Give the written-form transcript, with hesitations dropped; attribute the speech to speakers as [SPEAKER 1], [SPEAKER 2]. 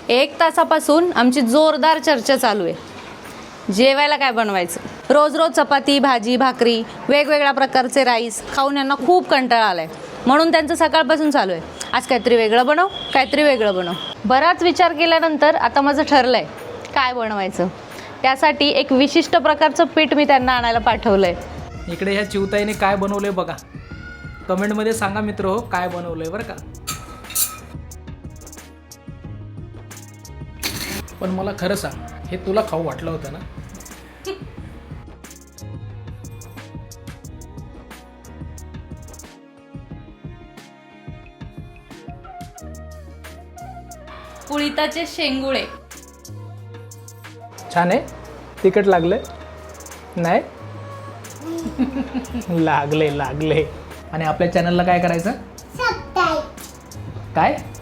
[SPEAKER 1] 1 तासापासून आमची जोरदार चर्चा चालू आहे जेवायला काय बनवायचं। रोज रोज चपाती भाजी भाकरी वेगवेगळ्या प्रकारचे राईस खाऊन यांना खूप कंटाळा आलाय, म्हणून त्यांचं सकाळपासून चालू आहे आज काहीतरी वेगळं बनव, काहीतरी वेगळं बनव। बराच विचार केल्यानंतर आता माझं ठरलंय काय बनवायचं। त्यासाठी एक विशिष्ट प्रकारचं पीठ मी त्यांना आणायला पाठवलंय।
[SPEAKER 2] इकडे ह्या चिवताईने काय बनवलंय बघा, कमेंटमध्ये सांगा मित्र हो काय बनवलंय बरं का। पण मला खरं सांग, हे तुला खाऊ वाटलं होतं ना?
[SPEAKER 1] कुळिताचे शेंगुळे
[SPEAKER 2] छान आहे, तिखट लागलंय नाही? लागले लागले। आणि आपल्या चॅनलला काय करायचं? काय